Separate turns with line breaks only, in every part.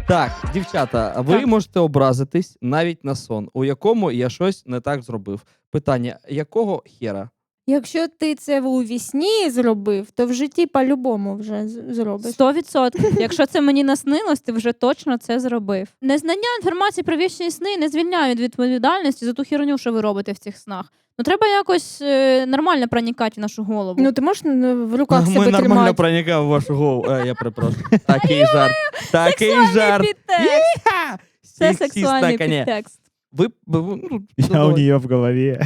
Так, дівчата, ви можете образитись навіть на сон, у якому я щось не так зробив. Питання, якого хера?
Якщо ти це у вісні зробив, то в житті по-любому вже зробиш.
100%. Якщо це мені наснилось, ти вже точно це зробив. Незнання інформації про вічні сни не звільняє від відповідальності за ту херню, що ви робите в цих снах. Ну треба якось нормально проникати в нашу голову.
Ну ти можеш в руках
Ми
себе
нормально
тримати.
проникав в вашу голову. Я перепрошую. Такий жарт. Такий жарт.
Підтекст. Це
Сексистна,
сексуальний
коня.
підтекст.
Я у нее в голове.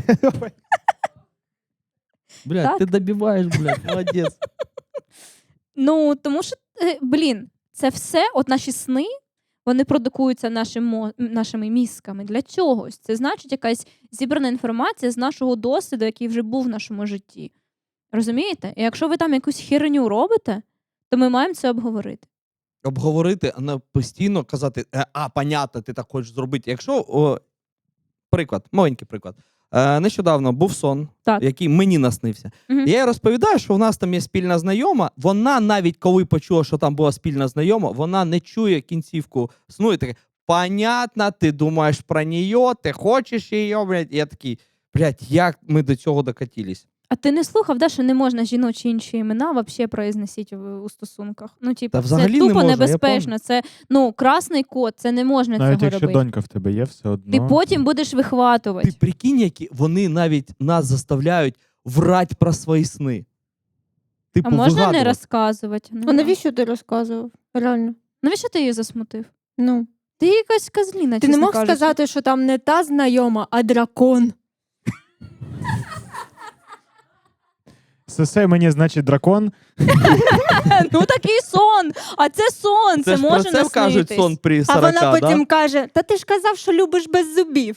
Блядь,
Так.
ти добиваєш, блядь, молодець.
Ну, тому що, це все, от наші сни, вони продукуються нашими мізками для чогось. Це значить якась зібрана інформація з нашого досвіду, який вже був в нашому житті. Розумієте? І якщо ви там якусь херню робите, то ми маємо це обговорити.
Обговорити, а не постійно казати, понятно, ти так хочеш зробити. Якщо, приклад, маленький приклад. Нещодавно був сон,
Так.
який мені наснився.
Мгм.
Я їй розповідаю, що в нас там є спільна знайома. Вона навіть коли почула, що там була спільна знайома, вона не чує кінцівку сну і таке, понятно, ти думаєш про неї, ти хочеш її, блядь. І я такий, блядь, як ми до цього докатились?
А ти не слухав, да, що не можна жіночі інші імена взагалі произносити у стосунках? Ну, типу,
Та
це
взагалі не
тупо
можна, я
небезпечно. Це, красний код, це не можна
Навіть
цього
якщо
робити.
донька в тебе є, все одно.
Ти потім будеш вихватувати.
Ти прикинь, які вони навіть нас заставляють врать про свої сни. Типу,
А можна не
вигадувати.
розказувати?
А навіщо ти розказував? Реально.
Навіщо ти її засмутив?
Ну.
Ти якась козліна,
Ти не
чесно
мог
кажучи.
сказати, що там не та знайома, а дракон.
Сесе мені, значить, дракон.
Ну такий сон! А це сон,
Це ж про
може
це кажуть
наснитись.
сон при
А
40,
вона потім
да?
каже, та ти ж казав, що любиш без зубів.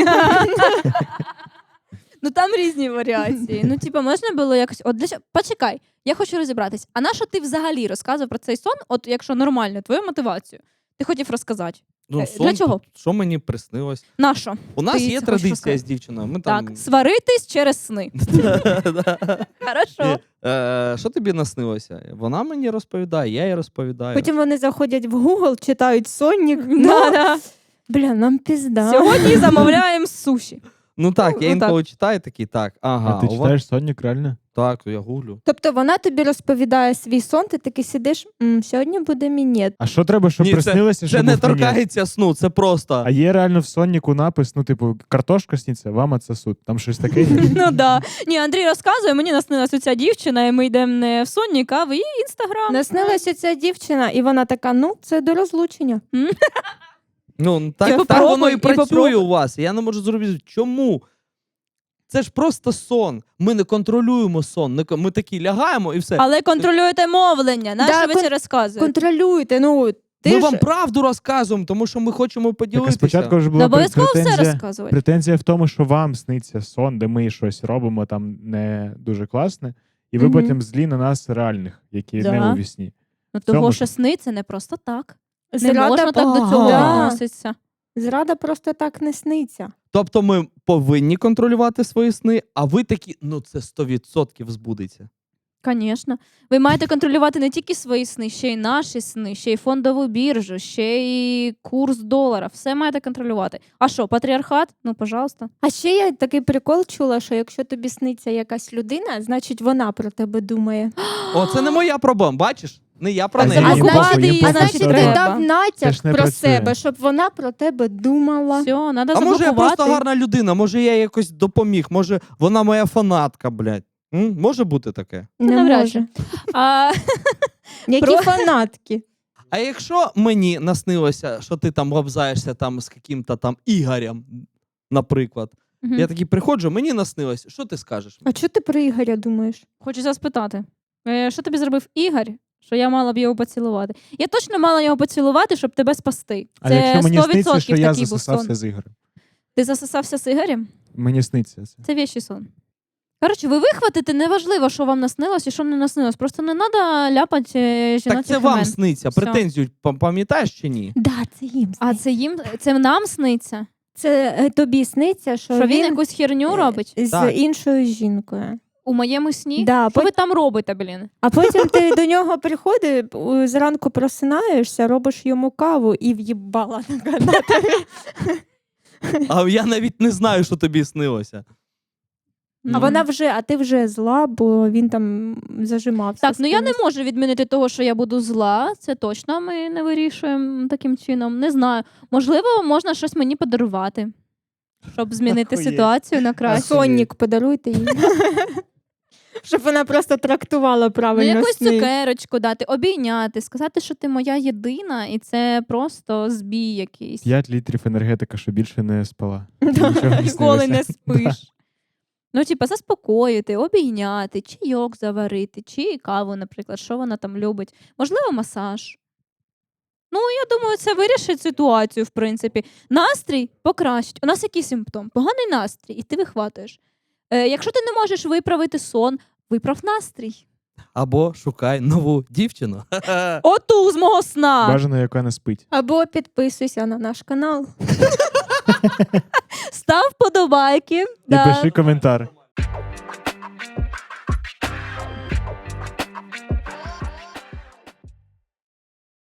Ну там різні варіації. Ну, типу, можна було якось. От почекай, я хочу розібратись. А на що ти взагалі розказував про цей сон? От якщо нормально, твою мотивацію. Ти хотів розказати.
Ну,
Для чого?
Що мені приснилось?
На що?
У нас
Ти
є
це хочеш
традиція
розказати?
з дівчиною. Ми там...
Так, сваритись через сни. Хорошо.
Що тобі наснилося? Вона мені розповідає, я їй розповідаю.
Потім вони заходять в Google, читають Сонік.
Да-да.
Бля, нам пізда.
Сьогодні замовляємо суші.
Ну так, я
Ну,
інколи читаю такий, так, ага.
А ти
у вас-
читаєш Сонік, реально?
Так, я гуглю.
Тобто вона тобі розповідає свій сон, ти такий сидиш, сьогодні буде мінет.
А що треба, щоб
Ні,
приснилося,
Це
щоб
не
був мінет?
торкається сну, це просто.
А є реально в Сонніку напис, ну, типу, картошка сніться, вам отсосут. Там щось таке.
Ну да. Ні, Андрій розказує, мені наснилась оця дівчина, і ми йдемо не в Соннік, а в її інстаграм.
Наснилася ця дівчина, і вона така, ну, це до розлучення.
Ну, так,
І
так
попробуй,
воно і
і
працює
попробуй.
у вас. Я не можу зробити. Чому? Це ж просто сон. Ми не контролюємо сон. Ми такі лягаємо і все.
Але контролюєте мовлення. Нащо
Да,
ви це розказуєте?
Контролюйте, ну, ти
Ми
ж...
вам правду розказуємо, тому що ми хочемо
Так, а
поділитися.
спочатку вже
Не
була
обов'язково все
претензія.
розказувати.
Претензія в тому, що вам сниться сон, де ми щось робимо там не дуже класне, і ви
Мгм.
потім злі на нас реальних, які
Да.
не у вісні.
Ну
цьому
того,
ж-
що сни це не просто так. Не
Зрада
можна так до цього
Да.
відноситися.
Зрада просто так не сниться.
Тобто ми повинні контролювати свої сни, а ви такі, ну це 100% збудеться.
Звісно. Ви маєте контролювати не тільки свої сни, ще й наші сни, ще й фондову біржу, ще й курс долара. Все маєте контролювати. А що, патріархат? Ну, пожалуйста.
А ще я такий прикол чула, що якщо тобі сниться якась людина, значить вона про тебе думає.
О, це не моя проблема, бачиш? Не я про
А
неї.
їм
заблокувати
похуй, їм
її,
похуй,
значить,
все
ти
одно.
треба.
дав
Це
натяк
ж не
про
працює.
себе, щоб вона про тебе думала.
Все, треба
А
заблокувати.
може я просто гарна людина, може я якось допоміг, може вона моя фанатка, блядь. Може бути таке?
Не
навряд
може.
А,
Які
Про-
фанатки.
А якщо мені наснилося, що ти там лобзаєшся там з яким-то там Ігорем, наприклад,
мгм.
я такий приходжу, мені наснилось, що ти скажеш?
А чого ти про Ігоря думаєш?
Хочу зараз спитати. Що тобі зробив Ігор, що я мала б його поцілувати? Я точно мала його поцілувати, щоб тебе спасти.
А
Це
якщо мені
100%
сниться, що я
такий був
засосався
сон.
з Ігорем?
Ти засосався з Ігорем?
Мені сниться це.
Це вещий сон. Коротше, ви вихватите, неважливо, що вам наснилось і що не наснилось. Просто не треба ляпати жіночих
Так це вам
імен.
сниться,
Все.
претензію пам'ятаєш чи ні?
Да, це їм.
А це нам сниться?
Це тобі сниться, що
Що він
він
якусь херню робить?
з
Так.
іншою жінкою.
У моєму сні?
Да,
Що ви там робите, блін?
А потім ти до нього приходиш, зранку просинаєшся, робиш йому каву і в'їбала на тобі.
А я навіть не знаю, що тобі снилося.
А ти вже зла, бо він там зажимався.
Так,
з
ну я не
кимось.
можу відмінити того, що я буду зла. Це точно ми не вирішуємо таким чином. Не знаю. Можливо, можна щось мені подарувати, щоб змінити
Охуєть.
ситуацію на краще.
Сонник подаруйте їй. Щоб вона просто трактувала
Ну,
правильно
якусь
сни.
цукерочку дати, обійняти, сказати, що ти моя єдина, і це просто збій якийсь.
5 літрів енергетика, що більше не спала.
Да.
Нічого не
Ніколи не
снилося.
спиш. Ну, типа, заспокоїти, обійняти, чайок заварити, чи каву, наприклад, що вона там любить. Можливо, масаж. Ну, я думаю, це вирішить ситуацію, в принципі. Настрій покращить. У нас який симптом? Поганий настрій, і ти вихватуєш. Якщо ти не можеш виправити сон, виправ настрій.
Або шукай нову дівчину.
Оту з мого сна.
Бажано, яка не спить.
Або підписуйся на наш канал.
Став подобайки.
І пиши коментар.